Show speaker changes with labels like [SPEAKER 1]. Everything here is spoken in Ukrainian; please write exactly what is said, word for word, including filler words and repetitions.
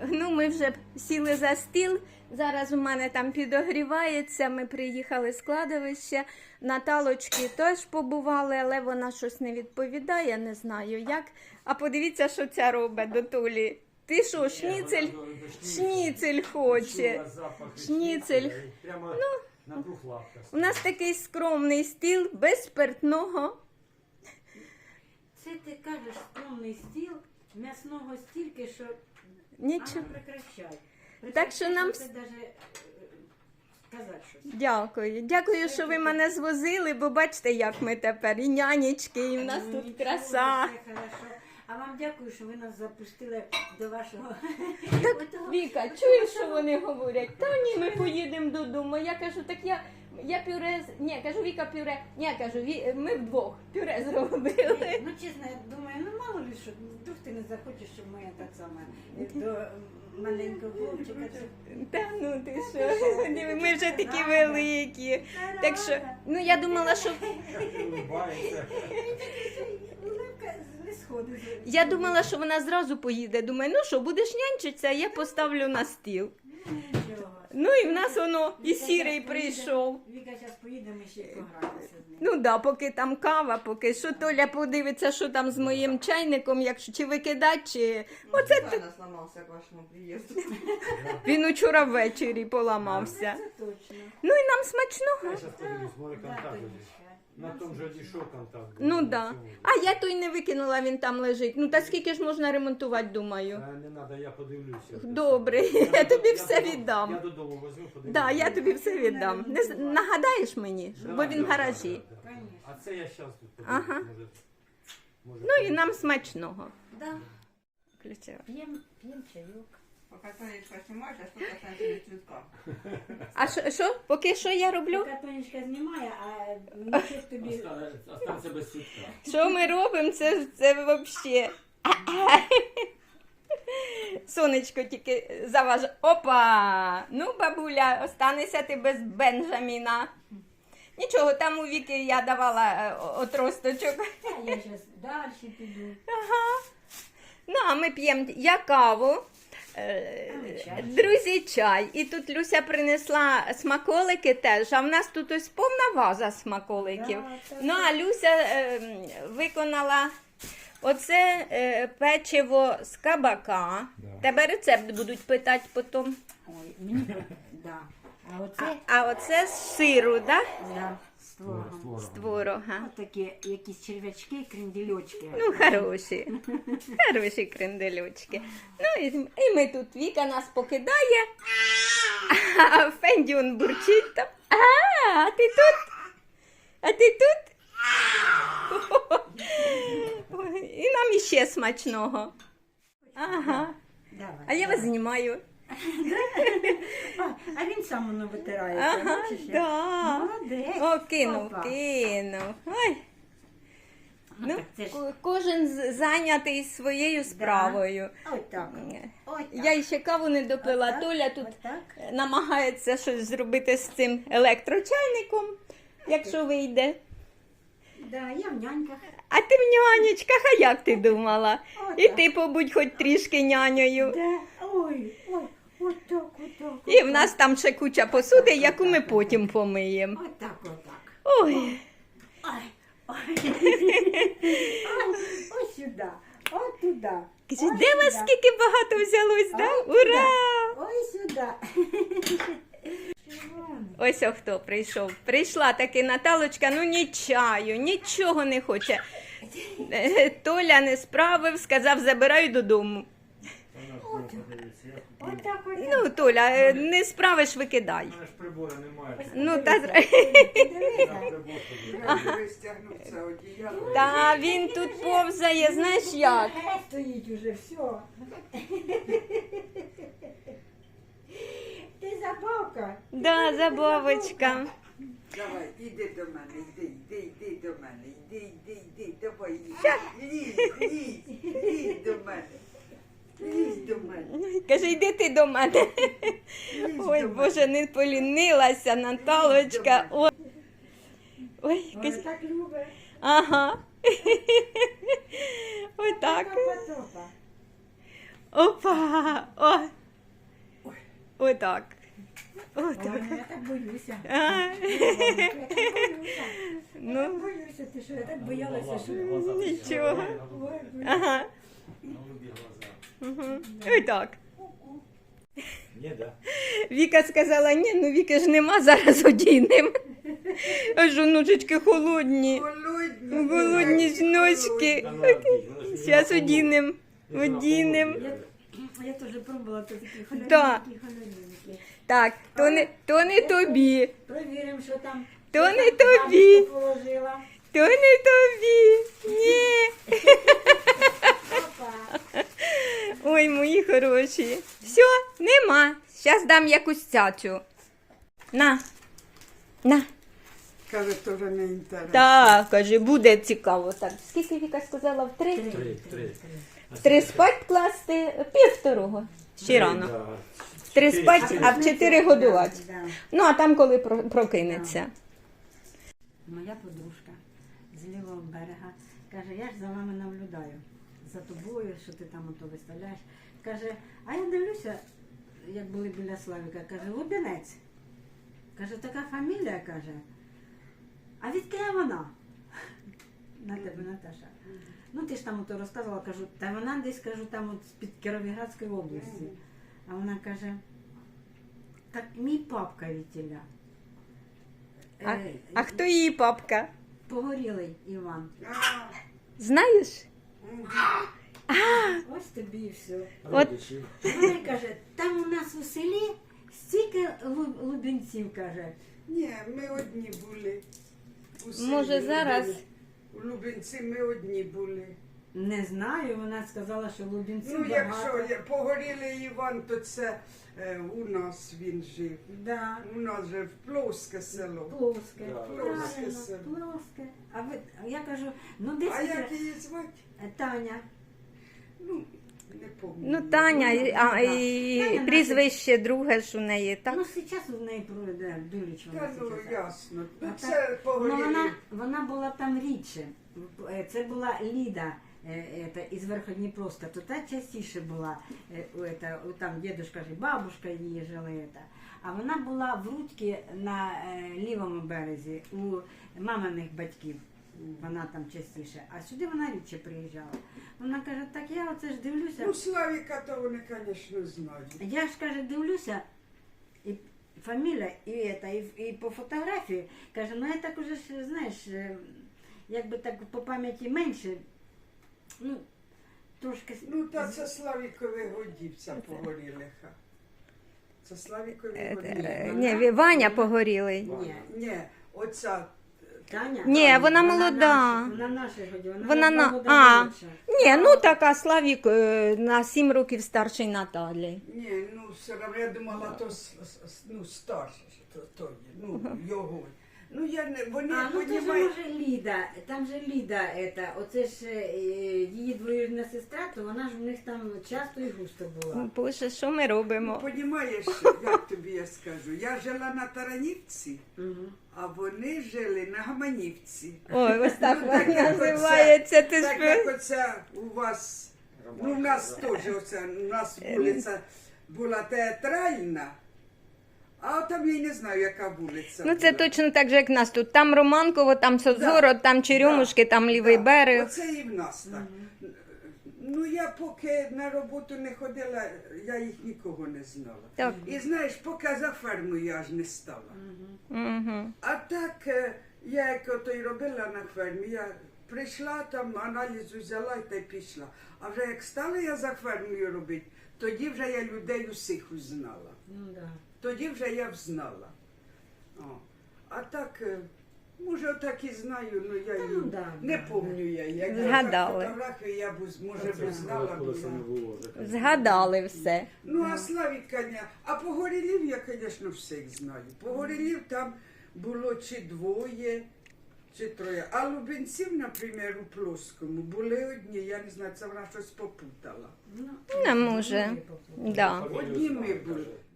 [SPEAKER 1] Ну, ми вже сіли за стіл. Зараз у мене там підогрівається. Ми приїхали з кладовища. Наталочки теж побували, але вона щось не відповідає, не знаю як. А подивіться, що ця робить до Толі. Ти що, шніцель? Шніцель хоче. Шніцель.
[SPEAKER 2] Прямо на двох лапках.
[SPEAKER 1] У нас такий скромний стіл, без спиртного.
[SPEAKER 3] Це ти кажеш скромний стіл, м'ясного стільки, що
[SPEAKER 1] Нічого.
[SPEAKER 3] Ага, прекращай.
[SPEAKER 1] Так що нам
[SPEAKER 3] Це даже сказати щось.
[SPEAKER 1] Дякую. Дякую, що ви мене звозили, бо бачите, як ми тепер. І нянечки, і в нас
[SPEAKER 3] Ну,
[SPEAKER 1] тут
[SPEAKER 3] нічого,
[SPEAKER 1] краса.
[SPEAKER 3] все хорошо. А вам дякую, що ви нас запустили до вашого...
[SPEAKER 1] Так,
[SPEAKER 3] Отого-
[SPEAKER 1] Віка,
[SPEAKER 3] отого
[SPEAKER 1] чуєш, що
[SPEAKER 3] самого-
[SPEAKER 1] вони говорять? Та ні, ми поїдемо додому. Я кажу, так я, я пюре, з- ні, кажу, Віка пюре, ні, кажу, Ві... ми вдвох пюре зробили.
[SPEAKER 3] Ну, чесно, я думаю, ну мало ли, що вдруг ти не захочеш, щоб моя так саме до маленького хлопчика.
[SPEAKER 1] Та ну ти що, ми вже такі великі. Так що, ну я думала, що
[SPEAKER 2] Улыбається.
[SPEAKER 3] Улыбка не сходить.
[SPEAKER 1] я думала, що вона зразу поїде. Думаю, ну що, будеш нянчитися, я поставлю на стіл.
[SPEAKER 3] Нічого.
[SPEAKER 1] Ну і в нас воно і сірий прийшов.
[SPEAKER 3] Віка зараз поїде, ми ще й пограємося з ним.
[SPEAKER 1] Ну да, поки там кава, поки що Толя подивиться, що там з моїм чайником, якщо чи викидати, чи оце
[SPEAKER 4] Оце ти сломався к вашому приїзду.
[SPEAKER 1] він учора ввечері поламався.
[SPEAKER 3] Це точно.
[SPEAKER 1] Ну і нам смачного.
[SPEAKER 2] Я зараз подивлюсь, може
[SPEAKER 3] Да,
[SPEAKER 2] контакт буде.
[SPEAKER 3] Тонечка.
[SPEAKER 2] На тому же дійшов контакт.
[SPEAKER 1] Ну да. А я той не викинула, він там лежить. Ну та скільки ж можна ремонтувати, думаю.
[SPEAKER 2] Е, Не треба, я подивлюся.
[SPEAKER 1] Добре, я тобі все
[SPEAKER 2] додому-
[SPEAKER 1] віддам.
[SPEAKER 2] Я додому возьму, подивлюся.
[SPEAKER 1] Да, я тобі все віддам. Не з- нагадаєш мені,
[SPEAKER 2] Да,
[SPEAKER 1] бо він в
[SPEAKER 2] да,
[SPEAKER 1] гаражі.
[SPEAKER 2] да, да.
[SPEAKER 3] Конечно.
[SPEAKER 2] А це я зараз тут подивлюсь.
[SPEAKER 1] Ага.
[SPEAKER 2] Може, може,
[SPEAKER 1] Ну і нам смачного.
[SPEAKER 3] Да.
[SPEAKER 1] Включила.
[SPEAKER 3] П'єм, п'єм чайок.
[SPEAKER 4] Поки Тонечка знімаєш, а що касається від цвітка.
[SPEAKER 1] А що, що? Поки що я роблю?
[SPEAKER 3] Поки Тонечка знімає, а нічого тобі...
[SPEAKER 2] Оста- Останься без цвітка.
[SPEAKER 1] Що ми робимо? Це, це взагалі. Сонечко тільки заважає. Опа! Ну, бабуля, останешся ти без Бенджаміна. Нічого, там у Віки я давала е, отросточок.
[SPEAKER 3] Та я зараз далі піду.
[SPEAKER 1] Ага. Ну, а ми п'ємо я каву. е,
[SPEAKER 3] А ми чай.
[SPEAKER 1] Друзі, чай. І тут Люся принесла смаколики теж, а в нас тут ось повна ваза смаколиків.
[SPEAKER 3] Да, та
[SPEAKER 1] Ну, а Люся е, виконала оце е, печиво з кабака.
[SPEAKER 2] Да.
[SPEAKER 1] Тебе рецепт будуть питати потім.
[SPEAKER 3] Ой, мені... Да. А
[SPEAKER 1] А,
[SPEAKER 3] оце...
[SPEAKER 1] а оце з сиру, да?
[SPEAKER 3] Да, з творогом.
[SPEAKER 1] З творога.
[SPEAKER 3] Ось такі якісь черв'ячки, крендельочки.
[SPEAKER 1] Ну, хороші. Хороші кренделючки. Ну, і, і ми тут, Віка нас покидає, а Фендіон бурчить там. А, а ти тут? А ти тут? Ой, і нам іще смачного. Ага.
[SPEAKER 3] Давай.
[SPEAKER 1] А я вас знімаю.
[SPEAKER 3] А, а він сам воно витирається.
[SPEAKER 1] Ага,
[SPEAKER 3] бачиш, як?
[SPEAKER 1] да.
[SPEAKER 3] Молодець.
[SPEAKER 1] О, кинув,
[SPEAKER 3] Опа.
[SPEAKER 1] кинув. Ой. Ну,
[SPEAKER 3] так це ж-
[SPEAKER 1] ко- кожен з- зайнятий своєю справою.
[SPEAKER 3] Ось так. Ось так.
[SPEAKER 1] Я ще каву не допила.
[SPEAKER 3] Отак,
[SPEAKER 1] Толя тут
[SPEAKER 3] отак.
[SPEAKER 1] намагається щось зробити з цим електрочайником, якщо вийде.
[SPEAKER 3] Да, я в няньках.
[SPEAKER 1] А ти в нянечках, а як ти думала?
[SPEAKER 3] Отак.
[SPEAKER 1] І ти побудь хоч трішки нянею.
[SPEAKER 3] Да. Ой, ой, отак, отак.
[SPEAKER 1] І в нас там ще куча посуди, яку ми потім помиємо.
[SPEAKER 3] Отак, отак.
[SPEAKER 1] Ой,
[SPEAKER 3] Ой, ой. Ой, ось сюди, от туди.
[SPEAKER 1] кажи,
[SPEAKER 3] Ось
[SPEAKER 1] де вас
[SPEAKER 3] сюди.
[SPEAKER 1] скільки багато взялось, да?
[SPEAKER 3] Ой,
[SPEAKER 1] Ура!
[SPEAKER 3] Ось сюди.
[SPEAKER 1] Ось о хто прийшов. Прийшла таки Наталочка, ну ні чаю, нічого не хоче. Е, Толя не справив, сказав, забираю додому.
[SPEAKER 3] Отак, отак.
[SPEAKER 1] Ну, Толя, е, не справиш, викидай.
[SPEAKER 2] У мене ж прибору немає.
[SPEAKER 1] Ну, та,
[SPEAKER 2] На
[SPEAKER 3] Дивися.
[SPEAKER 2] прибор подивись.
[SPEAKER 4] Я стягнув це одіяло.
[SPEAKER 1] та він тут повзає, знаєш як?
[SPEAKER 3] Геть стоїть уже, все. Ти забавка.
[SPEAKER 1] Да, забавочка.
[SPEAKER 4] Давай, іди до мене, йди, йди, йди до мене, йди, йди, йди, давай, лізь, лізь, лізь, лізь до мене. Лізь до мене.
[SPEAKER 1] Каже, йди ти до мене.
[SPEAKER 4] Лізь
[SPEAKER 1] Ой,
[SPEAKER 4] до
[SPEAKER 1] Боже, не полінилася Наталочка. Ой, Ой,
[SPEAKER 3] Ой,
[SPEAKER 1] каже,
[SPEAKER 3] так любить.
[SPEAKER 1] ага. Ой, так.
[SPEAKER 3] Топа-топа.
[SPEAKER 1] Опа. О, Отак.
[SPEAKER 3] Ой,
[SPEAKER 1] Отак.
[SPEAKER 3] я так боюся.
[SPEAKER 1] А,
[SPEAKER 3] Я так боюся. Я
[SPEAKER 1] Ну.
[SPEAKER 3] так боюся, ти що, я так боялася, що...
[SPEAKER 1] Нічого.
[SPEAKER 3] Ой, ой.
[SPEAKER 1] Ага.
[SPEAKER 2] Голубі глаза.
[SPEAKER 1] Угу. Отак.
[SPEAKER 2] Ні, да.
[SPEAKER 1] Віка сказала, ні, ну Віки ж нема, зараз одінемо. Аж онучечки холодні.
[SPEAKER 4] Голодні.
[SPEAKER 1] Голодні ж ночки.
[SPEAKER 2] Та ну, одій, воно ж
[SPEAKER 1] Зараз
[SPEAKER 2] не
[SPEAKER 1] одінемо.
[SPEAKER 2] на холоді.
[SPEAKER 1] Одінемо.
[SPEAKER 3] Я, я теж пробувала, то такі
[SPEAKER 1] Да.
[SPEAKER 3] холодненькі, холодненькі.
[SPEAKER 1] Так, то не, то не тобі,
[SPEAKER 3] Провіримо, що там.
[SPEAKER 1] То
[SPEAKER 3] що
[SPEAKER 1] не
[SPEAKER 3] там
[SPEAKER 1] тобі.
[SPEAKER 3] бабушка положила.
[SPEAKER 1] то не тобі. Ні.
[SPEAKER 3] Опа.
[SPEAKER 1] Ой, мої хороші. Все, нема. Зараз дам якусь цяцю. На. На.
[SPEAKER 4] Каже, теж не інтересно.
[SPEAKER 1] Так, каже, буде цікаво. Так, скільки Віка сказала? В три?
[SPEAKER 2] Три, три.
[SPEAKER 1] В три спать класти, пів второго. Ще рано.
[SPEAKER 2] Да.
[SPEAKER 1] В три
[SPEAKER 2] Чотири,
[SPEAKER 1] спать,
[SPEAKER 2] чотири.
[SPEAKER 1] а в чотири годувати.
[SPEAKER 3] Да.
[SPEAKER 1] Ну, а там коли про- прокинеться.
[SPEAKER 3] Моя подружка з лівого берега каже, я ж за вами наблюдаю, за тобою, що ти там ото виставляєш. Каже, а я дивлюся, як були біля Славіка, каже, Лубінець. Каже, така фамілія, каже. А відки вона? На тебе, Наташа. Ну ти ж там ото розказувала, кажу, та вона десь, кажу, там от з-під Кіровоградської області. А вона каже, так мій папка вітіля.
[SPEAKER 1] А,
[SPEAKER 3] Е,
[SPEAKER 1] а хто її папка?
[SPEAKER 3] Погорілий Іван.
[SPEAKER 4] А,
[SPEAKER 1] Знаєш?
[SPEAKER 3] Ось тобі і все.
[SPEAKER 1] От.
[SPEAKER 2] Родичі.
[SPEAKER 3] Вона каже, там у нас у селі стільки лу- лубенців, каже.
[SPEAKER 4] ні, ми одні були. У селі
[SPEAKER 1] Може, зараз?
[SPEAKER 4] Лубен- У Лубенці ми одні були.
[SPEAKER 3] Не знаю, вона сказала, що лубенців
[SPEAKER 4] Ну, якщо
[SPEAKER 3] багато.
[SPEAKER 4] я- погорілий Іван, то це е, у нас він жив.
[SPEAKER 3] Да.
[SPEAKER 4] У нас же в Плоске село.
[SPEAKER 3] Плоске.
[SPEAKER 2] Да.
[SPEAKER 4] Плоске
[SPEAKER 3] Правильно,
[SPEAKER 4] село.
[SPEAKER 3] плоске. А ви, а я кажу, ну десь
[SPEAKER 4] А
[SPEAKER 3] іде-
[SPEAKER 4] як її звати?
[SPEAKER 3] Е, Таня.
[SPEAKER 4] Ну, не пам'ятаю.
[SPEAKER 1] Ну, Таня,
[SPEAKER 3] Ну,
[SPEAKER 1] і- а,
[SPEAKER 3] да.
[SPEAKER 1] і
[SPEAKER 3] Таня
[SPEAKER 1] прізвище друге ж у неї, так?
[SPEAKER 3] Ну, зараз в неї пройде Дуліч. вона
[SPEAKER 4] Та ну,
[SPEAKER 3] зараз.
[SPEAKER 4] ясно. Ну,
[SPEAKER 3] А
[SPEAKER 4] це
[SPEAKER 3] так- Ну,
[SPEAKER 4] погорілий.
[SPEAKER 3] вона, вона була там рідше. Е, Це була Ліда е, ета, із Верходніпровська. То та частіше була. е, у ета, у Там дідушка ж і бабушка її жили. ета. А вона була в Рудьці на е, лівому березі у маминих батьків. Вона там частіше. А сюди вона рідше приїжджала. Вона каже, так я оце ж дивлюся.
[SPEAKER 4] Ну, Славіка, то вони, звісно, знають.
[SPEAKER 3] Я ж каже, дивлюся, і фамілія, і, это, і, і по фотографії, каже, ну я так уже ж, знаєш, е, якби так по пам'яті менше, ну, трошки. с-
[SPEAKER 4] Ну, та це Славікові годівця погорілиха. Це Славікові
[SPEAKER 1] Е,
[SPEAKER 4] годівця.
[SPEAKER 1] е, Ні, Ві- Ваня погорілий.
[SPEAKER 3] Ні,
[SPEAKER 4] Ні, оця.
[SPEAKER 3] Таня?
[SPEAKER 1] Ні,
[SPEAKER 3] Таня,
[SPEAKER 1] вона молода.
[SPEAKER 3] наші- Вона наша годі, вона,
[SPEAKER 1] Вона на-
[SPEAKER 3] на...
[SPEAKER 1] а. Ні, ну така Славік е, на сім років старший Наталі.
[SPEAKER 4] Ні, ну все одно, я думала, то с- с- ну, старше, то, то є, ну, його. Ну, я не, вони,
[SPEAKER 3] А, ну то ж
[SPEAKER 4] понімають,
[SPEAKER 3] може Ліда, там же Ліда, это, оце ж е, її двоюрідна сестра, то вона ж у них там часто і густо була.
[SPEAKER 1] Боже, що ми
[SPEAKER 4] ну,
[SPEAKER 1] робимо?
[SPEAKER 4] понімаєш, як тобі я скажу, я жила на Таранівці,
[SPEAKER 3] Угу.
[SPEAKER 4] а вони жили на Гаманівці.
[SPEAKER 1] Ой, ось так
[SPEAKER 4] Ну, так
[SPEAKER 1] вона
[SPEAKER 4] як оце-
[SPEAKER 1] називається. Ти
[SPEAKER 4] Так
[SPEAKER 1] ж
[SPEAKER 4] як оце у вас, ну в нас теж оце, у нас
[SPEAKER 1] Е,
[SPEAKER 4] вулиця була театральна, а там я й не знаю, яка вулиця.
[SPEAKER 1] Ну це
[SPEAKER 4] була.
[SPEAKER 1] точно так же, як в нас тут. Там Романково, там Созоро, там Черемушки, там Лівий
[SPEAKER 4] Да,
[SPEAKER 1] берег.
[SPEAKER 4] Оце і в нас так. Ну я поки на роботу не ходила, я їх нікого не знала.
[SPEAKER 1] Так.
[SPEAKER 4] І знаєш, поки за фермою я аж не стала.
[SPEAKER 1] Угу.
[SPEAKER 4] А так, е, я як ото й робила на фермі, я прийшла там, аналіз взяла і та й пішла. А вже як стала я за фермою робити, тоді вже я людей усіх узнала.
[SPEAKER 3] Ну, да.
[SPEAKER 4] Тоді вже я взнала. О. А так, е, може, отак і знаю, ну я
[SPEAKER 3] Та
[SPEAKER 4] її
[SPEAKER 3] ну, да,
[SPEAKER 4] не
[SPEAKER 3] да,
[SPEAKER 4] пам'ятаю я. Як
[SPEAKER 1] Згадали.
[SPEAKER 4] я фотографію я б, уз- може,
[SPEAKER 2] Це
[SPEAKER 4] б знала. б,
[SPEAKER 2] колеса
[SPEAKER 4] да.
[SPEAKER 2] не було. вже.
[SPEAKER 1] Згадали все.
[SPEAKER 4] Ну, а Славіка, ні. А Погорілів я, звісно, всіх знаю. Погорілів там було чи двоє, чи троє. А Лубенців, наприклад, у Плоскому були одні, я не знаю, це вона щось попутала.
[SPEAKER 3] Ну,
[SPEAKER 1] Не може.
[SPEAKER 3] ну,
[SPEAKER 1] Да.
[SPEAKER 2] Фамілію
[SPEAKER 4] Одні ми
[SPEAKER 2] знаю,
[SPEAKER 4] були.
[SPEAKER 2] каже.